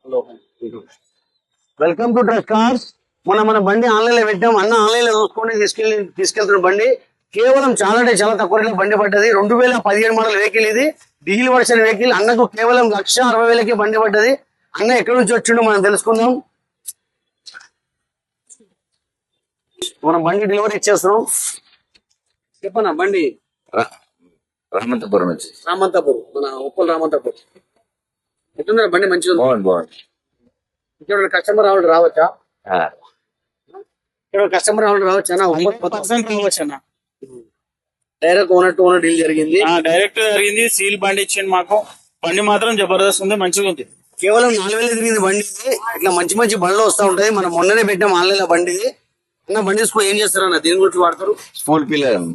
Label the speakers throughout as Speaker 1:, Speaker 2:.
Speaker 1: Welcome to trust cars. మన బండి online లో పెట్టాం. అన్న ఆన్లైన్ లో చూసుకొని తీసుకెళ్తున్న బండి కేవలం చాలా అంటే చాలా తక్కువ రేట్లో బండి పడ్డది. 2017 మోడల్ వెహికల్ ఇది, డీజిల్ వర్షన్ వెహికల్. అన్నకు కేవలం 1,60,000కి బండి పడ్డది. అన్న ఎక్కడి నుంచి వచ్చిండో మనం తెలుసుకుందాం. మనం బండి డెలివరీ ఇచ్చేస్తున్నాం. చెప్పనా బండి
Speaker 2: రామంతపురం నుంచి.
Speaker 1: రామంతపూర్, మన ఉప్పల్ రామంతపూర్. ఎట్లుందా బండి? మంచిగా
Speaker 2: బాగుంది.
Speaker 1: ఇక్కడ కస్టమర్ రావచ్చా? ఇక్కడ కస్టమర్ రావచ్చా?
Speaker 3: రావచ్చా?
Speaker 1: Direct owner to owner deal జరిగింది.
Speaker 3: డైరెక్ట్ జరిగింది. సీల్ బండి ఇచ్చింది మాకు. బండి మాత్రం జబర్దస్త్ ఉంది, మంచిగా ఉంది.
Speaker 1: కేవలం 4,000 తిరిగింది బండి. ఇట్లా మంచి మంచి బండ్లు వస్తూ ఉంటాయి. మనం మొన్ననే పెట్టాం ఆన్లైన్ లో బండి. అన్న బండి ఏం చేస్తారు అన్న? దీని గురించి వాడతారు?
Speaker 2: స్కూల్ పిల్లలు.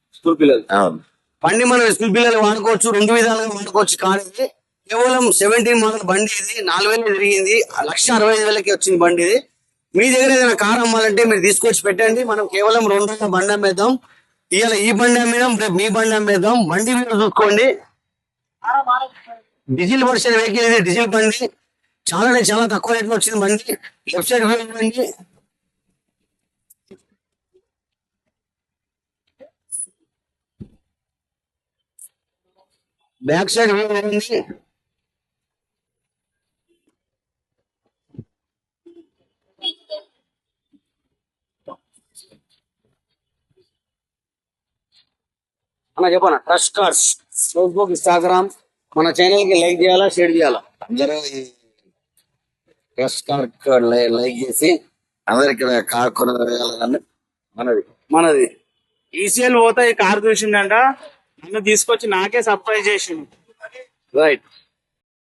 Speaker 1: బండి మనం స్కూల్ పిల్లలు వాడుకోవచ్చు, 2 విధాలుగా వాడుకోవచ్చు. కార్ ఇది కేవలం 17 మోడల్ బండి. ఇది 4,000 తిరిగింది. 1,65,000కి వచ్చింది బండి ఇది. మీ దగ్గర ఏదైనా కార్ అమ్మాలంటే మీరు తీసుకొచ్చి పెట్టండి. మనం కేవలం 2 బండి అమ్మేద్దాం. ఇవాళ ఈ బండి అమ్మేద్దాం, రేపు మీ బండి అమ్మేద్దాం. బండి మీరు చూసుకోండి. డీజిల్ వర్షన్ వెహికల్ ఇది, డీజిల్ బండి. చాలా అంటే చాలా తక్కువ రేట్లో వచ్చింది బండి. లెఫ్ట్ సైడ్ వ్యూ బండి. బ్యాక్ సైడ్ వ్యూ ఉంది. అన్న చెప్పనా? ట్రస్ట్ కార్స్ ఫేస్బుక్, ఇన్స్టాగ్రామ్, మన ఛానల్ కి లైక్ చేయాలా, షేర్ చేయాలా?
Speaker 2: అందరూ ఈ ట్రస్ట్ కార్ లైక్ చేసి అందరికి కార్ కొనగలగాలని
Speaker 1: మనది
Speaker 3: ఈసీఎల్ పోతే ఈ కార్ చూసిండంట, నన్ను తీసుకొచ్చి నాకే సర్ప్రైజ్ చేసిండు.
Speaker 1: రైట్.